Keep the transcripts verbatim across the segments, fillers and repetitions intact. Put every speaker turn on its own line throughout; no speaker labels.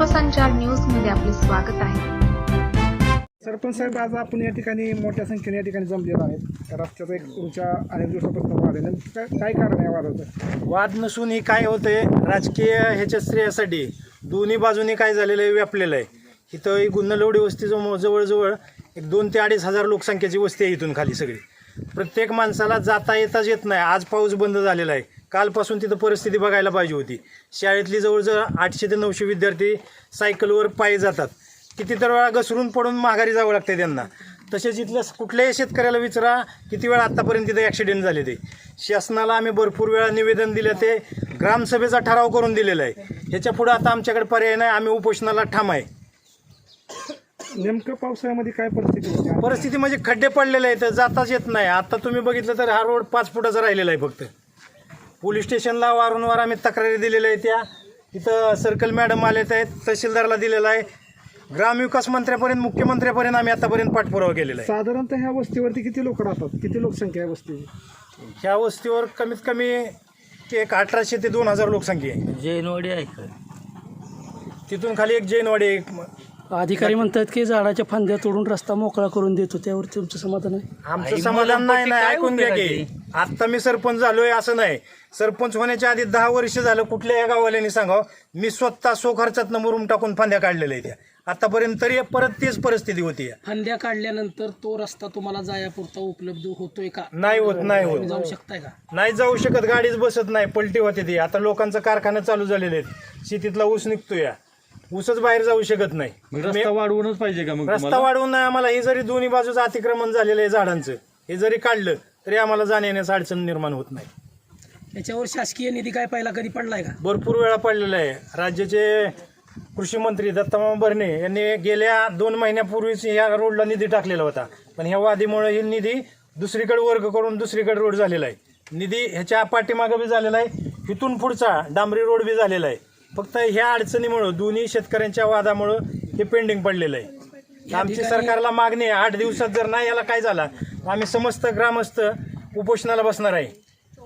विश्वसंचार news मध्ये आपले स्वागत आहे.
सरपंच साहेब, आज आपण या ठिकाणी मोठ्या संख्येने या ठिकाणी जमलेलो आहेत. रस्त्याचा एक तुमच्या अनेक दिवसापासून वाद आहे. नेमकं काय काय कारण आहे वादाचं?
वाद नसून ही काय होतंय, राजकीय ह्याच्या श्रेयासाठी दोन्ही बाजूनी काय झालेलं आहे, व्यापलेलं आहे. इथं ही गुन्नलवडी वस्ती जो जवळजवळ एक दोन ते अडीच हजार लोकसंख्येची वस्ती आहे. इथून खाली सगळी प्रत्येक माणसाला जाता येताच येत नाही. आज पाऊस बंद झालेला आहे. कालपासून तिथं परिस्थिती बघायला पाहिजे होती. शाळेतली जवळजवळ आठशे ते नऊशे विद्यार्थी सायकलवर पायी जातात. किती तर वेळा घसरून पडून माघारी जावं लागते त्यांना. तसेच इथल्या कुठल्याही शेतकऱ्याला विचारा किती वेळा आत्तापर्यंत तिथे ॲक्सिडेंट झाले. ते शासनाला आम्ही भरपूर वेळा निवेदन दिलं, ते ग्रामसभेचा ठराव करून दिलेला आहे. ह्याच्या पुढं आता आमच्याकडे पर्याय नाही. आम्ही उपोषणाला ठाम आहे.
नेमकं पावसाळ्यामध्ये काय परिस्थिती होती?
परिस्थिती म्हणजे खड्डे पडलेले आहेत, जाताच येत नाही. आता तुम्ही बघितलं तर हा रोड पाच फुटाचा राहिलेला आहे. फक्त पोलीस स्टेशनला वारंवार आम्ही तक्रारी दिलेल्या आहेत. त्या तिथं सर्कल मॅडम आलेत आहेत, तहसीलदारला दिलेला आहे, ग्रामविकास मंत्र्यापर्यंत, मुख्यमंत्र्यापर्यंत आम्ही आतापर्यंत पाठपुरावा केलेला आहे.
साधारणतः ह्या वस्तीवरती किती लोक राहतात? किती लोकसंख्या आहे वस्तीची?
ह्या वस्तीवर कमीत कमी एक अठराशे ते दोन हजार लोकसंख्या आहे.
जैनवाडी आहे का?
तिथून खाली एक जैनवाडी आहे. एक
अधिकारी म्हणतात की झाडाच्या फांद्या तोडून रस्ता मोकळा करून देतो, त्यावर तुमचं समाधान आहे?
आमचं समाधान नाही. नाही ऐकून घ्या की, आता मी सरपंच झालोय असं नाही. सरपंच होण्याच्या आधी दहा वर्ष झालं कुठल्या या गाववाल्यांनी सांगावं, मी स्वतः सो खर्चातनं मुरुम टाकून फांद्या काढलेल्या आहेत. त्या आतापर्यंत तरी परत तेच परिस्थिती होती.
फांद्या काढल्यानंतर तो रस्ता तुम्हाला जायापुरता उपलब्ध होतोय का?
नाही होत. नाही होत.
जाऊ शकताय का?
नाही जाऊ शकत. गाडीच बसत नाही, पलटी होते ती. आता लोकांचं कारखाना चालू झालेले आहेत. शेतीतला ऊस निघतोय, ऊसच बाहेर जाऊ शकत नाही.
रस्ता वाढवूनच पाहिजे का? मग
रस्ता वाढवून नाही आम्हाला. हे जरी दोन्ही बाजूचं अतिक्रमण झालेलं आहे झाडांचं, हे जरी काढलं तरी आम्हाला जाण्या येण्याचं अडचण निर्माण होत नाही.
याच्यावर शासकीय निधी काय पहिला कधी पडलाय का?
भरपूर वेळा पडलेला आहे. राज्याचे कृषी मंत्री दत्तामामा भरणे यांनी गेल्या दोन महिन्यापूर्वीच या रोडला निधी टाकलेला होता, पण ह्या वादीमुळे ही निधी दुसरीकडे वर्ग करून दुसरीकडे रोड झालेला आहे. निधी ह्याच्या पाठीमागं बी झालेला आहे, इथून पुढचा डांबरी रोड बी झालेला आहे. फक्त ह्या अडचणीमुळं, दोन्ही शेतकऱ्यांच्या वादामुळं हे पेंडिंग पडलेलं आहे. आमची सरकारला मागणी आहे, आठ दिवसात जर नाही याला काय झाला आम्ही समस्त ग्रामस्थ उपोषणाला बसणार आहे.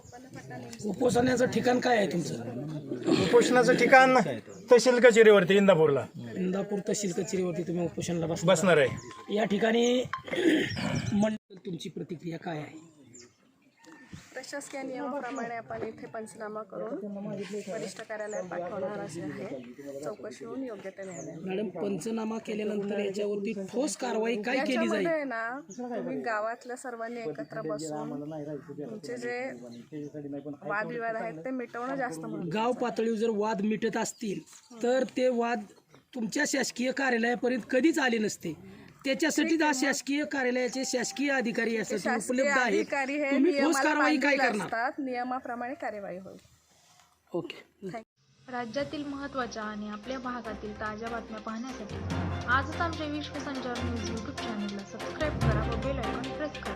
उपोषणाचं ठिकाण काय आहे तुमचं?
उपोषणाचं ठिकाण तहसील कचेरीवरती इंदापूरला
इंदापूर तहसील कचेरीवरती तुम्ही उपोषणाला बस
बसणार आहे.
या ठिकाणी मंडळ, तुमची प्रतिक्रिया काय आहे?
प्रशासकीय नियमाप्रमाणे आपण इथे पंचनामा करून वरिष्ठ कार्यालयात पाठवणार असे आहे. चौकशी होऊन योग्य ते निर्णय.
मॅडम, पंचनामा केल्यानंतर याच्यावरती ठोस कारवाई काय केली जाईल?
याच्यामध्ये ना तुम्ही गावातल्या सर्वांनी एकत्र बसून तुमचे जे वादविवाद आहेत ते मिटवणं जास्त महत्त्वाचं.
गाव पातळीवर जर वाद मिटत असतील तर ते वाद तुमच्या शासकीय कार्यालयापर्यंत कधीच आले नसते. त्याच्यासाठी आज शासकीय कार्यालयाचे शासकीय अधिकारी यासाठी
शासकीय
उपलब्ध आहेत.
अधिकारी हे
तुम्ही ठोस
नियमाला
कारवाई काय
बांधील
करणार?
असतात. नियमाप्रमाणे कार्यवाही होईल.
ओके.
राज्यातील महत्त्वाच्या आणि आपल्या भागातील ताज्या बातम्या पाहण्यासाठी आजच आमच्या विश्वसंचार न्यूज यूट्यूब चॅनलला सबस्क्राईब करा व बेल आयकॉन प्रेस करा.